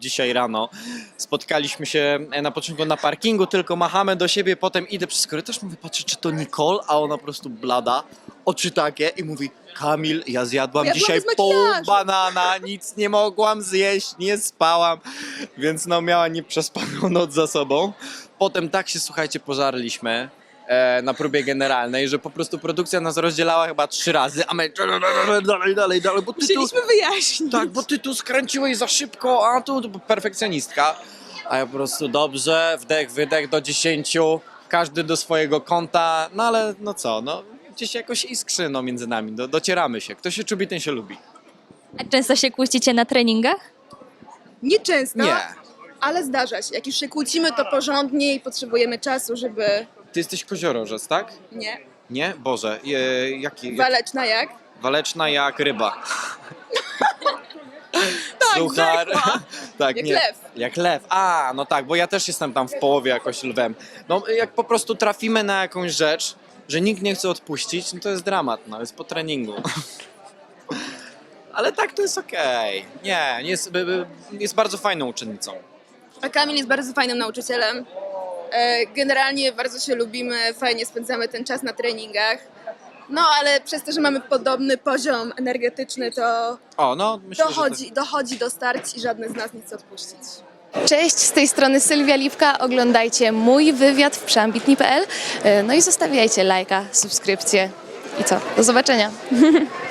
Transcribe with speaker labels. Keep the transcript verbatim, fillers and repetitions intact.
Speaker 1: dzisiaj rano. Spotkaliśmy się na początku na parkingu, tylko machamy do siebie, potem idę przez korytarz, mówię, patrzę, czy to Nicole, a ona po prostu blada, oczy takie i mówi, Kamil, ja zjadłam
Speaker 2: Ja
Speaker 1: dzisiaj
Speaker 2: byłam bez
Speaker 1: pół
Speaker 2: makijażu.
Speaker 1: banana, nic nie mogłam zjeść, nie spałam, więc no miała nieprzespaną noc za sobą. Potem tak się, słuchajcie, pożarliśmy e, na próbie generalnej, że po prostu produkcja nas rozdzielała chyba trzy razy, a my dalej, dalej, dalej, bo ty tu,
Speaker 2: Musieliśmy wyjaśnić.
Speaker 1: tak, bo ty tu skręciłeś za szybko, a tu, tu perfekcjonistka. A ja po prostu dobrze, wdech, wydech do dziesięciu, każdy do swojego kąta, no ale no co, no gdzieś jakoś iskrzy no, między nami, do, docieramy się. Kto się czubi, ten się lubi.
Speaker 3: A często się kłócicie na treningach?
Speaker 2: Nieczęsto,
Speaker 1: Nie,
Speaker 2: ale zdarza się. Jak już się kłócimy, to porządnie i potrzebujemy czasu, żeby...
Speaker 1: ty jesteś koziorożec, tak?
Speaker 2: Nie.
Speaker 1: Nie? Boże, e, jaki? Jak,
Speaker 2: Waleczna jak?
Speaker 1: waleczna jak ryba.
Speaker 2: Tak,
Speaker 1: Suchar.
Speaker 2: rzekła.
Speaker 1: Tak,
Speaker 2: Jak
Speaker 1: nie.
Speaker 2: lew.
Speaker 1: Jak lew. A, no tak, bo ja też jestem tam w połowie jakoś lwem. No jak po prostu trafimy na jakąś rzecz, że nikt nie chce odpuścić, no to jest dramat, no jest po treningu. Ale tak to jest okej. Nie, jest, by- by- jest bardzo fajną uczennicą.
Speaker 2: A Kamil jest bardzo fajnym nauczycielem. E, Generalnie bardzo się lubimy, fajnie spędzamy ten czas na treningach. No ale przez to, że mamy podobny poziom energetyczny, to
Speaker 1: O, no myślę,
Speaker 2: dochodzi, dochodzi do starć i żadny z nas nie chce odpuścić.
Speaker 4: Cześć, z tej strony Sylwia Lipka. Oglądajcie mój wywiad w przeambitni kropka p l. No i zostawiajcie lajka, subskrypcję. I co? Do zobaczenia.